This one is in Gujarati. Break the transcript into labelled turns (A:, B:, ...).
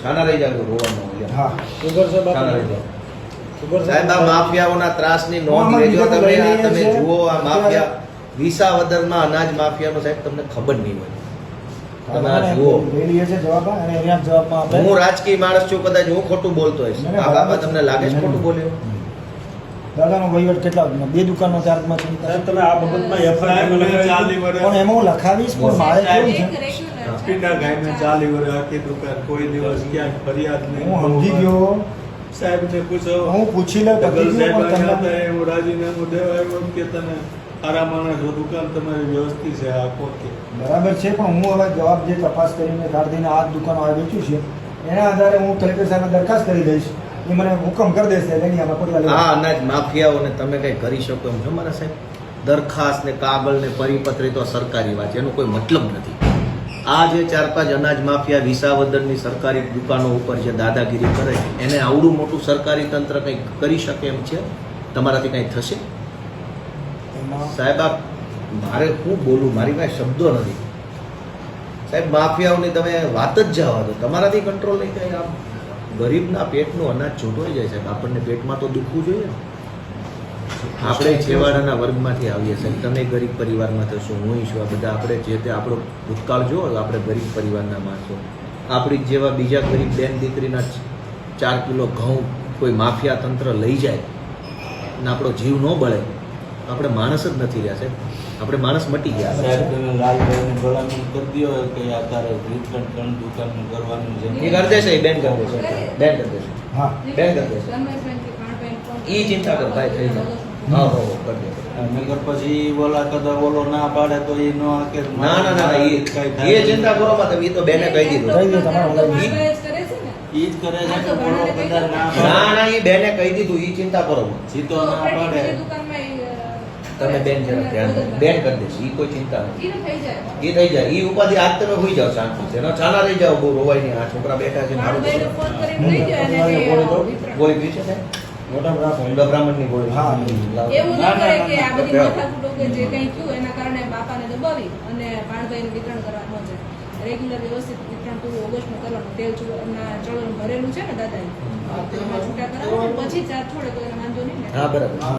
A: છાના રહી જાવ રોવાનું.
B: હા સુગર છે
A: છાના રહી જાવ.
B: સુગર
A: સાહેબ આ માફિયાઓના ત્રાસની નોંધ લેજો તમે. તમે જુઓ આ માફિયા વિસાવદરમાં અનાજ માફિયાનો સાહેબ તમને ખબર નહીં હોય. તમે આ જુઓ. હું રાજકીય માણસ છું, કદાચ હું ખોટું બોલતો હોઈશ. આ બાબા તમને લાગે છે ખોટું બોલ્યો?
B: દાદાનો વહીવટ કેટલા બે દુકાનનો ચાર્જમાં છે
C: તમે આ બાબતમાં એફઆઈઆર
B: પણ એમાં હું લખાવીશ પણ મારે કેવું છે
C: પીટા ગાયને 40 વર્ષ આખી દુકાન કોઈ દિવસ ક્યાંક ફરિયાદ નહીં.
B: હું સમજી ગયો
C: સાહેબને પૂછો,
B: હું પૂછી લઉં
C: ડગલ
B: પછી
C: સાહેબ
B: પણ
C: આવ્યા
B: તમને
C: હતા, એવું રાજીનામું દેવા આવ્યો કે તમે સારા માણસ છો, દુકાન તમારી વ્યવસ્થિત છે આ કોકે.
B: બરાબર છે પણ હું હવે જવાબ જે તપાસ કરીને કાઢીને આ દુકાનો આ વેચ્યું છે એના આધારે હું કલેક્ટર સાહેબને દરખાસ્ત કરી દઈશ. એ મને હુકમ કરી દેશે એટલે એની આમાં પગલાં લેવા.
A: આ અનાજ માફિયાઓને તમે કઈ કરી શકો એમ છો મારા સાહેબ? દરખાસ્ત ને કાગળ ને પરિપત્ર તો સરકારી વાત છે, એનો કોઈ મતલબ નથી. આ જે 4-5 અનાજ માફિયા વિસાવદરની સરકારી દુકાનો ઉપર જે દાદાગીરી કરે છે એને આવડું મોટું સરકારી તંત્ર કંઈક કરી શકે એમ છે? તમારાથી કંઈ થશે? સાહેબ આ મારે શું બોલું, મારી પાસે શબ્દો નથી સાહેબ. માફિયાઓની તમે વાત જ જવા દો, તમારાથી કંટ્રોલ નહીં થાય. આમ ગરીબના પેટનું અનાજ છૂટવાઈ જાય સાહેબ. આપણને પેટમાં તો દુખવું જોઈએ. આપણે છેવાડાના વર્ગમાંથી આવીએ સાહેબ. તમે ગરીબ પરિવારમાં થશો, હું છું, આ બધા આપણે જે તે આપણો ભૂતકાળ જુઓ, આપણે ગરીબ પરિવારના માણસો. આપણી જેવા બીજા ગરીબ બેન દીકરીના 4 કિલો ઘઉં કોઈ માફિયા તંત્ર લઈ જાય અને આપણો જીવ ન બળે, આપણે માણસ જ નથી રહ્યા સાહેબ. આપણે માણસ મટી ગયા.
D: સાહેબ તમે લાલભાઈને ભલામણ કરી દો કે આ તારે વિતરણ 3 દુકાનનું કરવાનું છે.
A: એ કરી દેશે, એ બેન કરી દેશે, બેન કરી દેશે,
B: હા
A: બેન કરી દેશે. એ ચિંતા કર ભાઈ, થઈ જાય. હા હો કરી દેશે.
D: નગર પછી ઓલા કદાચ ઓલો ના પાડે તો એ નો કે
A: ના ના ના એ ચિંતા કરો મત. એ તો બેને કહી દીધું.
B: કહી દો તમારે
D: ઈ જ કરે છે કે ઓલો કદાચ ના
A: ના
D: પાડે
A: ના એ બેને કહી દીધું. એ ચિંતા કરો મત.
D: સીધો ના પાડે
A: તમે બેન જરા ધ્યાન દો. બેન કરી દેશે. એ કોઈ ચિંતા નથી. એ થઈ જાય. એ ઉપાધિ આજ તમે હોઈ જાઓ શાંતિ. એનો ચાલા રહી જાઓ, બહુ રોવાય નહીં. આ છોકરા બેઠા છે મારું ગોળી પી છે સાહેબ? મોટા બ્રાહ્મણની ગોળી.
B: હા
E: એવું ન કરે કે આ બધી માથાકૂટો કે જે કંઈ થયું એના કારણે બાપાને દબાવી અને ભાણભાઈને વિતરણ કરવા ન જાય. રેગ્યુલર વ્યવસ્થિત વિતરણ પૂરું ઓગસ્ટમાં કરવાનું. તેલ ચલણ ભરેલું છે ને દાદાએ, તેમાં છૂટા કરાવવાનું પછી ચાર્જ છોડે તો એને વાંધો નહીં ને.
A: હા બરાબર.